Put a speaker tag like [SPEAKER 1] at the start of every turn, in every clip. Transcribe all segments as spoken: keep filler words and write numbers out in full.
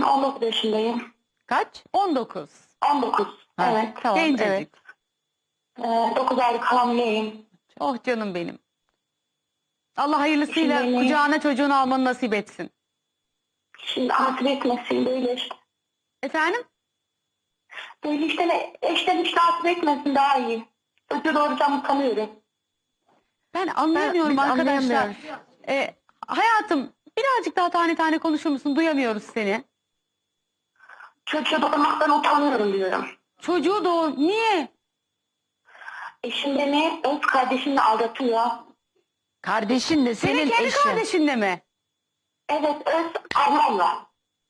[SPEAKER 1] on dokuz yaşındayım.
[SPEAKER 2] Kaç?
[SPEAKER 3] on dokuz.
[SPEAKER 1] on dokuz.
[SPEAKER 2] Ha,
[SPEAKER 1] Evet.
[SPEAKER 2] Tamam,
[SPEAKER 3] Gencecik.
[SPEAKER 2] evet.
[SPEAKER 1] Ee, dokuz aylık hamileyim.
[SPEAKER 3] Oh canım benim. Allah hayırlısıyla
[SPEAKER 1] Şimdi-
[SPEAKER 3] kucağına çocuğunu almanı nasip etsin.
[SPEAKER 1] Şimdi hasret etmesin böyle işte.
[SPEAKER 3] Efendim?
[SPEAKER 1] Böyle işte ne, eşten işte hasret etmesin daha iyi. Çocuğu doğuracağımı sanıyorum.
[SPEAKER 3] Ben anlayamıyorum
[SPEAKER 2] biz
[SPEAKER 3] arkadaşlar.
[SPEAKER 2] anlayamıyoruz.
[SPEAKER 3] Ee, hayatım birazcık daha tane tane konuşur musun? Duyamıyoruz seni.
[SPEAKER 1] Çocuğu doğurmaktan utanıyorum diyorum.
[SPEAKER 3] Çocuğu doğur. Niye?
[SPEAKER 1] Eşim beni öz kardeşimle aldatıyor.
[SPEAKER 2] Kardeşin de
[SPEAKER 3] Senin
[SPEAKER 2] senin
[SPEAKER 3] kendi
[SPEAKER 2] eşin.
[SPEAKER 3] kardeşinle mi?
[SPEAKER 1] Evet, öz ablamla.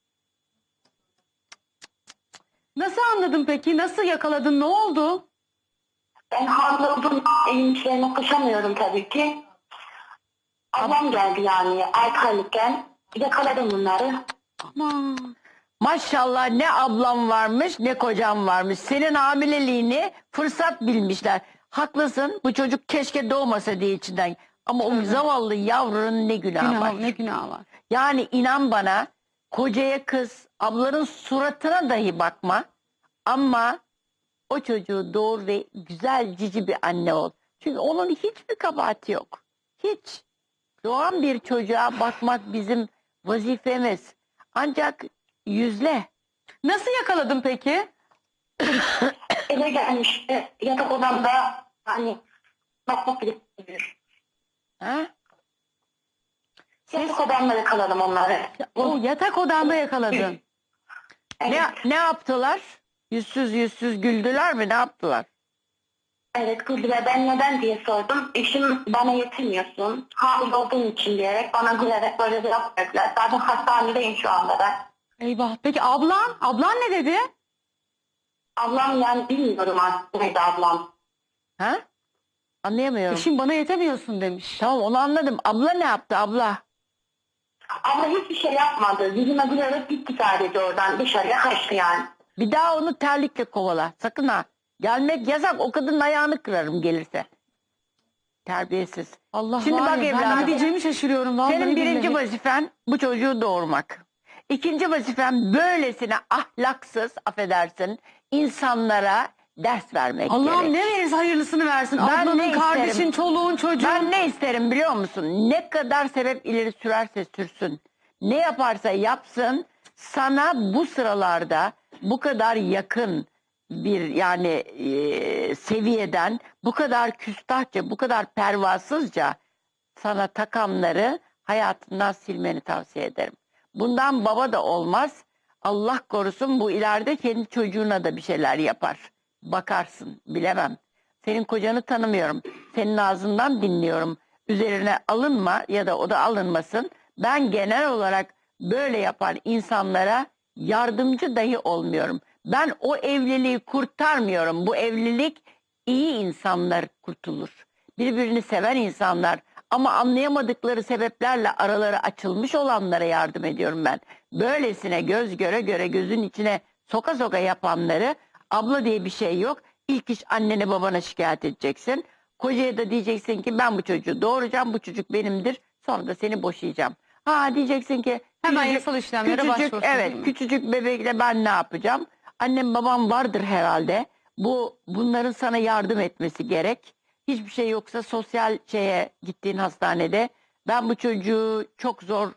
[SPEAKER 3] Nasıl anladın peki? Nasıl yakaladın? Ne oldu?
[SPEAKER 1] Ben hamile olduğum evin içlerine koşamıyorum tabii ki. Ablam geldi yani altı aylıkken. Yakaladım bunları.
[SPEAKER 3] Aman.
[SPEAKER 2] Maşallah ne ablam varmış ne kocam varmış. Senin hamileliğini fırsat bilmişler. Haklısın, bu çocuk keşke doğmasa diye içinden. Ama o zavallı yavrunun ne günahı
[SPEAKER 3] Günah,
[SPEAKER 2] var.
[SPEAKER 3] ne günah var.
[SPEAKER 2] Yani inan bana, kocaya kız, ablanın suratına dahi bakma. Ama o çocuğu doğur ve güzel cici bir anne ol. Çünkü onun hiçbir kabahati yok. Hiç. Doğan bir çocuğa bakmak bizim vazifemiz. Ancak yüzle.
[SPEAKER 3] Nasıl yakaladın peki?
[SPEAKER 1] Eve gelmişti. Yatak odamda hani bakmak bile istemiyor.
[SPEAKER 2] Ha?
[SPEAKER 1] Yatak odamda yakaladım onları.
[SPEAKER 3] O yatak odanda yakaladın.
[SPEAKER 1] Evet,
[SPEAKER 2] Ne, ne yaptılar? Yüzsüz yüzsüz güldüler mi? Ne yaptılar?
[SPEAKER 1] evet güldüler. Ben neden diye sordum. Eşim bana yetinmiyorsun. Hamile olduğun için diyerek bana gülerek böyle bir laf verdiler. Zaten hastanedeyim şu anda ben.
[SPEAKER 3] Eyvah. Peki ablan? Ablan ne dedi?
[SPEAKER 1] Ablam yani bilmiyorum aslında ablam.
[SPEAKER 2] Ha? Anlayamıyorum.
[SPEAKER 3] Eşim bana yetemiyorsun demiş.
[SPEAKER 2] Tamam, onu anladım. Abla ne yaptı abla?
[SPEAKER 1] Abla hiçbir şey yapmadı. Yüzüme gülerek gitti sadece oradan. Dışarıya kaçtı yani.
[SPEAKER 2] Bir daha onu terlikle kovala. Sakın ha. Gelmek yasak. O kadının ayağını kırarım gelirse. Terbiyesiz.
[SPEAKER 3] Allah
[SPEAKER 2] Şimdi
[SPEAKER 3] var
[SPEAKER 2] bak
[SPEAKER 3] ya, ben
[SPEAKER 2] evladım.
[SPEAKER 3] ne diyeceğimi şaşırıyorum. Vallahi
[SPEAKER 2] Senin birinci
[SPEAKER 3] billahi.
[SPEAKER 2] vazifen bu çocuğu doğurmak. İkinci vazifen böylesine ahlaksız, affedersin, insanlara ders vermek
[SPEAKER 3] Allah'ım
[SPEAKER 2] gerek.
[SPEAKER 3] ne verirse hayırlısını versin.
[SPEAKER 2] Ben
[SPEAKER 3] Ablanın,
[SPEAKER 2] ne
[SPEAKER 3] kardeşin,
[SPEAKER 2] isterim?
[SPEAKER 3] çoluğun, çocuğun.
[SPEAKER 2] Ben ne isterim biliyor musun? Ne kadar sebep ileri sürerse sürsün. Ne yaparsa yapsın, sana bu sıralarda bu kadar yakın bir yani e, seviyeden bu kadar küstahça, bu kadar pervasızca sana takanları hayatından silmeni tavsiye ederim. Bundan baba da olmaz. Allah korusun, bu ileride kendi çocuğuna da bir şeyler yapar. Bakarsın, bilemem. Senin kocanı tanımıyorum. Senin ağzından dinliyorum. Üzerine alınma ya da o da alınmasın. Ben genel olarak böyle yapan insanlara yardımcı dahi olmuyorum. Ben o evliliği kurtarmıyorum. Bu evlilik iyi insanlar kurtulur. Birbirini seven insanlar ama anlayamadıkları sebeplerle araları açılmış olanlara yardım ediyorum ben. Böylesine göz göre göre gözün içine soka soka yapanları, abla diye bir şey yok. İlk iş annene babana şikayet edeceksin. Kocaya da diyeceksin ki ben bu çocuğu doğuracağım, bu çocuk benimdir. Sonra da seni boşayacağım. Ha diyeceksin ki
[SPEAKER 3] Hemen
[SPEAKER 2] küçücük-
[SPEAKER 3] yasal işlemlere
[SPEAKER 2] küçücük,
[SPEAKER 3] başvursun, değil
[SPEAKER 2] Evet,
[SPEAKER 3] mi?
[SPEAKER 2] küçücük bebekle ben ne yapacağım? Annem babam vardır herhalde. Bu bunların sana yardım etmesi gerek. Hiçbir şey yoksa sosyal şeye gittiğin hastanede ben bu çocuğu çok zor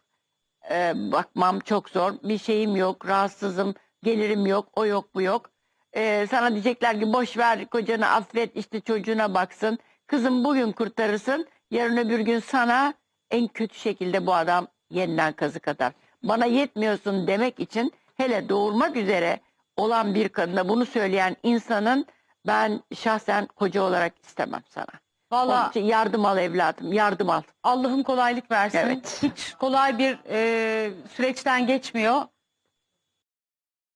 [SPEAKER 2] e, bakmam, çok zor. Bir şeyim yok, rahatsızım, gelirim yok, o yok, bu yok. E, sana diyecekler ki boş ver, kocanı affet, işte çocuğuna baksın. Kızım bugün kurtarırsın, yarın öbür gün sana en kötü şekilde bu adam yeniden kazık atar. Bana yetmiyorsun demek için, hele doğurmak üzere olan bir kadına bunu söyleyen insanın ben şahsen koca olarak istemem sana. Onun
[SPEAKER 3] Vallahi
[SPEAKER 2] için yardım al evladım, yardım al.
[SPEAKER 3] Allah'ım kolaylık versin.
[SPEAKER 2] Evet.
[SPEAKER 3] Hiç kolay bir e, süreçten geçmiyor.